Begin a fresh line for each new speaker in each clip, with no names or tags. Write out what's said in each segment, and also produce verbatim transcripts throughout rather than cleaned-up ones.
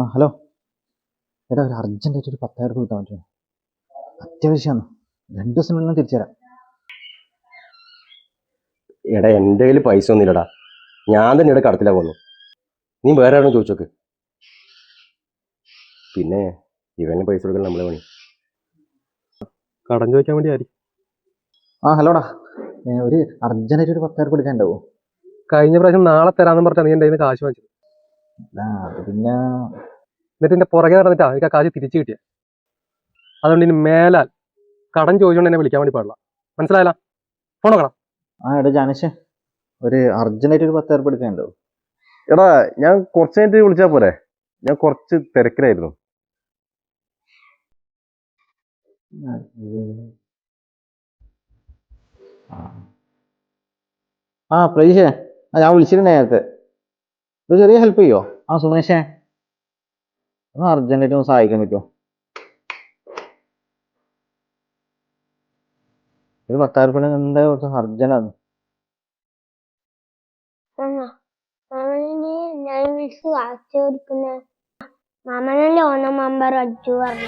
ആ ഹലോ എടാ, ഒരു അർജൻറ്റായിട്ട് ഒരു പത്തായിരം രൂപ കിട്ടാൻ പറ്റുമോ? അത്യാവശ്യമാണ്. രണ്ട് ദിവസത്തിനുള്ളിൽ തിരിച്ചു തരാം.
എടാ എൻ്റെ കയ്യിൽ പൈസ ഒന്നുമില്ലടാ. ഞാൻ തന്നെ ഇവിടെ കടത്തിലാ പോന്നു. നീ വേറെ ആരും ചോദിച്ചോക്ക്. പിന്നെ ഇവന് പൈസ കൊടുക്കാൻ നമ്മളെ പണി. കടം ചോദിക്കാൻ വേണ്ടി ആരി.
ആ ഹലോടാ, ഒരു അർജൻറ്റായിട്ട് ഒരു പത്തായിരം രൂപ എടുക്കാനുണ്ടാവോ?
കഴിഞ്ഞ പ്രാവശ്യം നാളെ തരാമെന്ന് പറഞ്ഞാൽ നീ എൻ്റെ കയ്യിൽ നിന്ന് കാശ് വാങ്ങിച്ചത്.
ആ അത് പിന്നെ
എന്നിട്ട് എൻ്റെ പുറകെ നടന്നിട്ടാ എനിക്ക് ആ കാശ് തിരിച്ചു കിട്ടിയ. അതുകൊണ്ട് ഇനി മേലാൽ കടം ചോദിച്ചുകൊണ്ട് എന്നെ വിളിക്കാൻ വേണ്ടി പാടില്ല. മനസ്സിലായല്ല? ഫോൺ നോക്കണം.
ആ എടാ ജാനേഷ്, ഒരു അർജൻറ്റായിട്ട് ഒരു പത്തായിരം രൂപ എടുക്കാനുണ്ടാവോ?
എടാ ഞാൻ കുറച്ച് കഴിഞ്ഞിട്ട് വിളിച്ചാൽ പോരെ? ഞാൻ കുറച്ച് തിരക്കിലായിരുന്നു.
ആ പ്രതീക്ഷേ, ആ ഞാൻ വിളിച്ചിട്ടുണ്ട് നേരത്തെ. ഒരു ചെറിയ ഹെൽപ്പ് ചെയ്യോ? ആ സുമേഷേ, ഒന്ന് അർജൻറ്റായിട്ട് ഒന്ന് സഹായിക്കാൻ പറ്റുമോ? ഒരു പത്തായിരം രൂപ എന്താ കുറച്ച് അർജന്റാണ്.
ഞാൻ വിളിച്ച് കാശ് കൊടുക്കുന്ന മാമനല്ലേ ഓണം മെമ്പർ അടിച്ചു പറഞ്ഞു.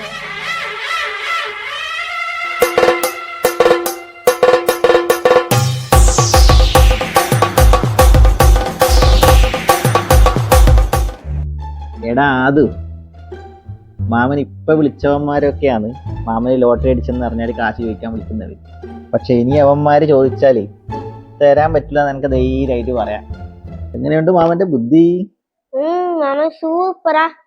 എടാ അത് മാമൻ ഇപ്പൊ വിളിച്ചവന്മാരൊക്കെയാണ് മാമന് ലോട്ടറി അടിച്ചെന്ന് അറിഞ്ഞാൽ കാശ് ചോദിക്കാൻ വിളിക്കുന്നത്. പക്ഷെ ഇനി അവന്മാര് ചോദിച്ചാല് തരാൻ പറ്റില്ല എന്ന് എനിക്ക് ധൈര്യമായിട്ട് പറയാം. എങ്ങനെയുണ്ട് മാമന്റെ ബുദ്ധി?
മാമൻ സൂപ്പറാ.